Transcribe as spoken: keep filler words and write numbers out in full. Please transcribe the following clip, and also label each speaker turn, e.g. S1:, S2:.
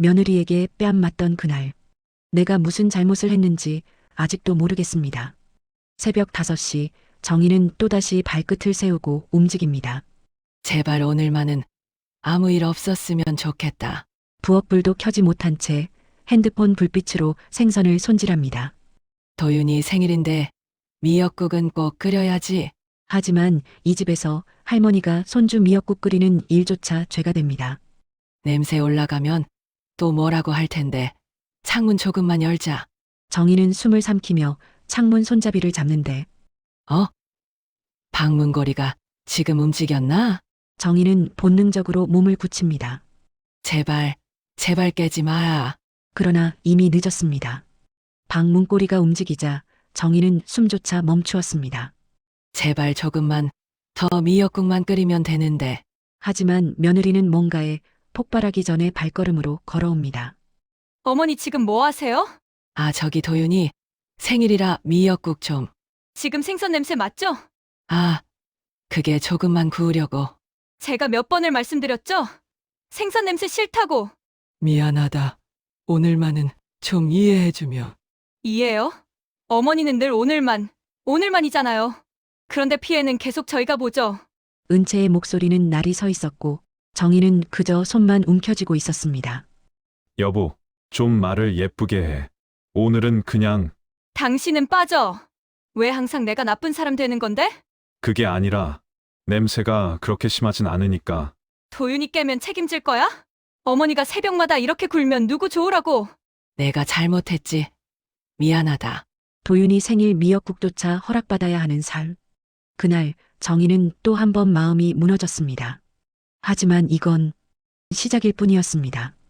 S1: 며느리에게 뺨 맞던 그날. 내가 무슨 잘못을 했는지 아직도 모르겠습니다. 새벽 다섯 시 정희는 또다시 발끝을 세우고 움직입니다.
S2: 제발 오늘만은 아무 일 없었으면 좋겠다.
S1: 부엌불도 켜지 못한 채 핸드폰 불빛으로 생선을 손질합니다.
S2: 도윤이 생일인데 미역국은 꼭 끓여야지.
S1: 하지만 이 집에서 할머니가 손주 미역국 끓이는 일조차 죄가 됩니다.
S2: 냄새 올라가면 또 뭐라고 할 텐데. 창문 조금만 열자.
S1: 정희는 숨을 삼키며 창문 손잡이를 잡는데
S2: 어? 방문고리가 지금 움직였나?
S1: 정희는 본능적으로 몸을 굳힙니다.
S2: 제발, 제발 깨지 마.
S1: 그러나 이미 늦었습니다. 방문고리가 움직이자 정희는 숨조차 멈추었습니다.
S2: 제발 조금만 더 미역국만 끓이면 되는데.
S1: 하지만 며느리는 뭔가에 폭발하기 전에 발걸음으로 걸어옵니다.
S3: 어머니 지금 뭐 하세요?
S2: 아, 저기 도윤이 생일이라 미역국 좀.
S3: 지금 생선 냄새 맞죠?
S2: 아, 그게 조금만 구우려고.
S3: 제가 몇 번을 말씀드렸죠? 생선 냄새 싫다고.
S2: 미안하다. 오늘만은 좀 이해해주며.
S3: 이해요? 어머니는 늘 오늘만, 오늘만이잖아요. 그런데 피해는 계속 저희가 보죠.
S1: 은채의 목소리는 날이 서 있었고 정희는 그저 손만 움켜쥐고 있었습니다.
S4: 여보, 좀 말을 예쁘게 해. 오늘은 그냥
S3: 당신은 빠져. 왜 항상 내가 나쁜 사람 되는 건데?
S4: 그게 아니라 냄새가 그렇게 심하진 않으니까.
S3: 도윤이 깨면 책임질 거야? 어머니가 새벽마다 이렇게 굴면 누구 좋으라고.
S2: 내가 잘못했지. 미안하다.
S1: 도윤이 생일 미역국조차 허락받아야 하는 살. 그날 정희는 또 한 번 마음이 무너졌습니다. 하지만 이건 시작일 뿐이었습니다.